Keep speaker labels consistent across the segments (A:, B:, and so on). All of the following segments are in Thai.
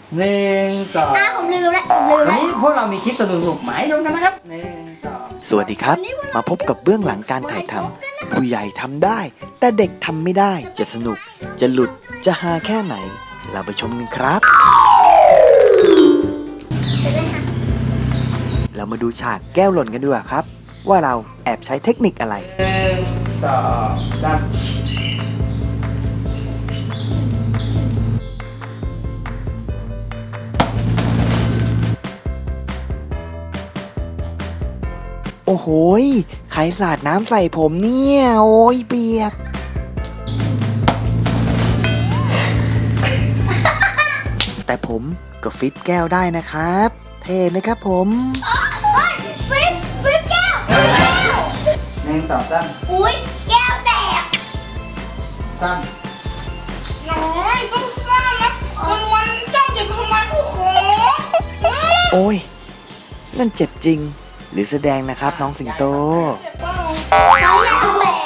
A: 1 2
B: ผมลืมแล้วผมลืม
A: วัน
B: แล้ว
A: นี้พวกเรามีคลิปสนุกๆหมายชมกันนะครับ1 2
C: สวัสดีครับ มาพบกับเบื้องหลังการถ่ายทำผู้ใหญ่ทำได้ แต่เด็กทำไม่ได้ จะสนุก จะหลุด จะฮาแค่ไหน เราไปชมกันครับ เรามาดูฉากแก้วหล่นกันดีกว่าครับ ว่าเราแอบใช้เทคนิคอะไร
A: 1 2 3
C: โอ้โหยใครสาดน้ำใส่ผมเนี่ย โอ้ยเปียก แต่ผมก็ฟิปแก้วได้นะครับ เท่ไหมครับผม
B: ฟิปแก้ว
A: 1 2 3
B: อุ้ยแก้วแตก
A: 3
B: น้อยต้องซ่านะวันจ้องจะทำไมผู้ขอ
C: โอ้ย นั่นเจ็บจริง หรือแสดงนะครับน้องสิงโต
B: เขาอยากแตก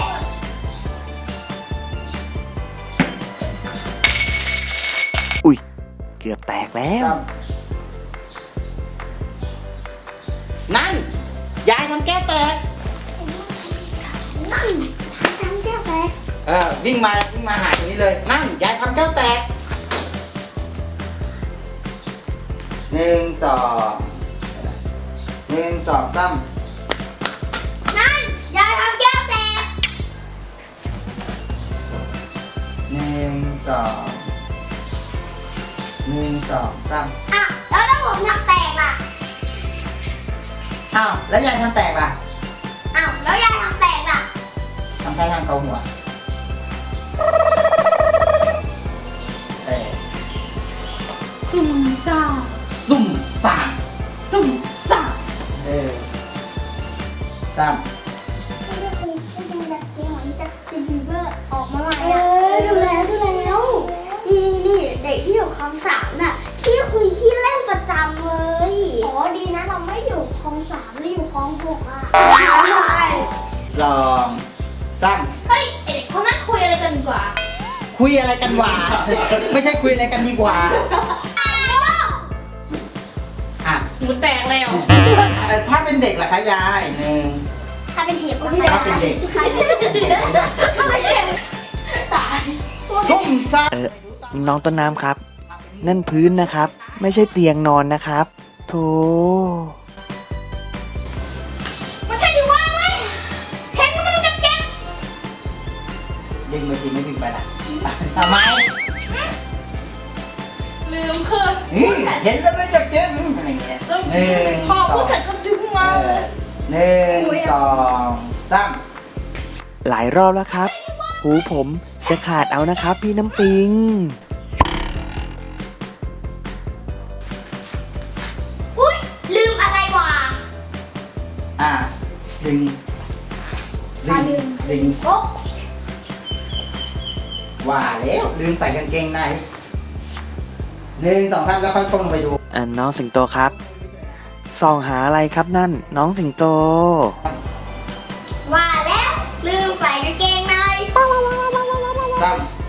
C: อุ๊ย เกือบแตกแล้ว
A: นั่นยายทำแก้วแตก
B: นั่นทำแก้วแตก
A: วิ่งมาหาตรงนี้เลยนั่นยายทำแก้วแตก1 2 1 2 3
B: นั่นยายทำแก้วแตก
A: 1 2 1 2 3
B: อ่ะแล้วถ้าผมทำแตกล่ะ
A: อ้าวแล้วยายทำแตกล่ะ
B: อ้าวแล้วยายทำแตกล่ะ
A: ทำท่าทางเกาหัวแตก
D: สุ่มซ่า
A: ซุ่มซ่าม
D: สุ่มซ่า
A: ซ้ำ
B: ไม่ได้เคยไม่ดูแบบเกมของจัสตินบีเบอร์ออกมาใหม่อ่ะดูแล้วนี่เด็กที่อยู่คลองสามน่ะขี้คุยขี้เล่นประจำเลยอ๋อดีนะเราไม่อยู่คลองสามเราอยู่คลองหกอ่ะ
A: 2 3
D: เฮ้ยเด็กเขานั่งคุยอะไรกันดีกว่า
A: คุยอะไรกันหวา ไม่ใช่คุยอะไรกันดีกว่าอ่ะ
D: หมูแตกแล้ว
A: ถ้าเป็นเด็กล่ะคะยายหนึ่ง
B: ถ้าเป็นเห็บก็
A: ถ้าเป็นเด็ก
B: ถ้าเป็นเด็กตาย
A: ซุ่มซ่าม
C: น้องต้นน้ำครับ นั่นพื้นนะครับ ไม่ใช่เตียงนอนนะครับโธ่
D: มันใช่ที่ว่างไหมเห็นมันจะเก็บ
A: ดึงไปสิไม่ดึงไปละทำไม
D: ลืมคือ
A: เห็นแล้วไม่จะเก็บอะไรเงี้ยหนึ่ง
D: พอผู้ชายก็ดึงมาเลย
A: 1 2 3
C: หลายรอบแล้วครับ หูผมจะขาดเอานะครับพี่น้ำปิง
B: อุ้ยลืมอะไรวะ
A: ดึง
B: โอ๊ะ
A: ว่าแล้วดึงใส่กางเกงใน1 2 3แล้วค่อยก้มลงไปดู
C: น้องสิงโตครับส่องหาอะไรครับนั่น น้องสิงโต
B: ว่าแล้วลืมใส่กางเกงใน
A: ซ้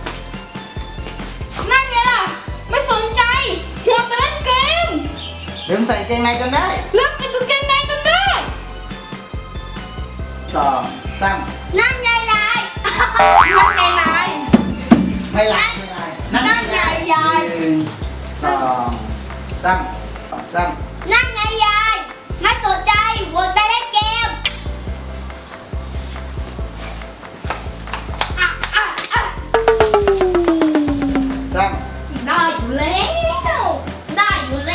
D: นั่นไงล่ะ ไม่สนใจหัวแต่เล่นเกม
A: ำดึงใส่กางเกงในจนได้
D: เลิกเป็นกางเกงในจนได้
A: 2 3
B: นั่นไงนาย
D: ยังไงนาย
A: ไม่ไล่นั่นไง
B: ยาย
A: 1 2 3
B: นั่นไงยายไม่สนใจหัวแต่เล่นเกม
A: 3
D: ได้อยู่แล้ว ได้อยู่แล้ว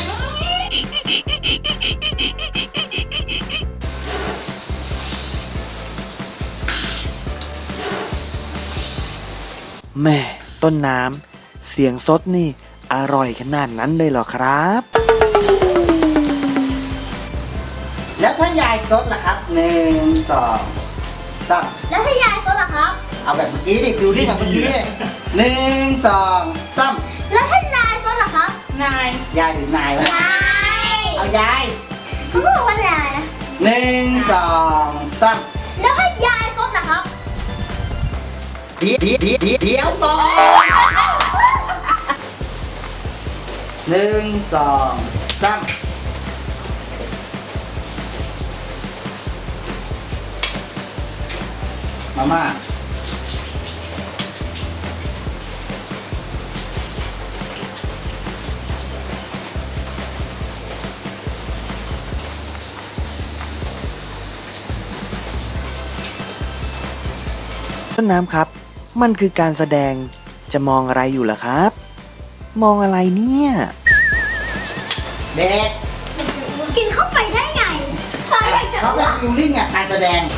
C: แม่ต้นน้ำเสียงซดนี่ อร่อยขนาดนั้นเลยเหรอครับ
A: แล้วถ้ายายซดล่ะครับ1 2 3
B: แล้วถ้ายายซดล่ะครับ
A: เอาแบบเมื่อกี้ดิฟิวลิ่งแบบเมื่อกี้ดิ1 2 3
B: แล้วถ้านายซดล่ะครับ
D: นาย
A: ยายหรือนายวะ
B: ยาย
A: เอายาย
B: เขาบอกว่านายนะ
A: 1 2 3
B: แล้วถ้ายายซดล่ะครับ
A: เดี๋ยวก่อน 1 2 3มาม่า
C: ต้นน้ำครับ มันคือการแสดงจะมองอะไรอยู่ล่ะครับ มองอะไรเนี่ย
A: เด็ก
B: กินเข้าไปได้ไงเธออยากจะ
A: เขาเป็นฟิลลิ่งอ่ะการแสดง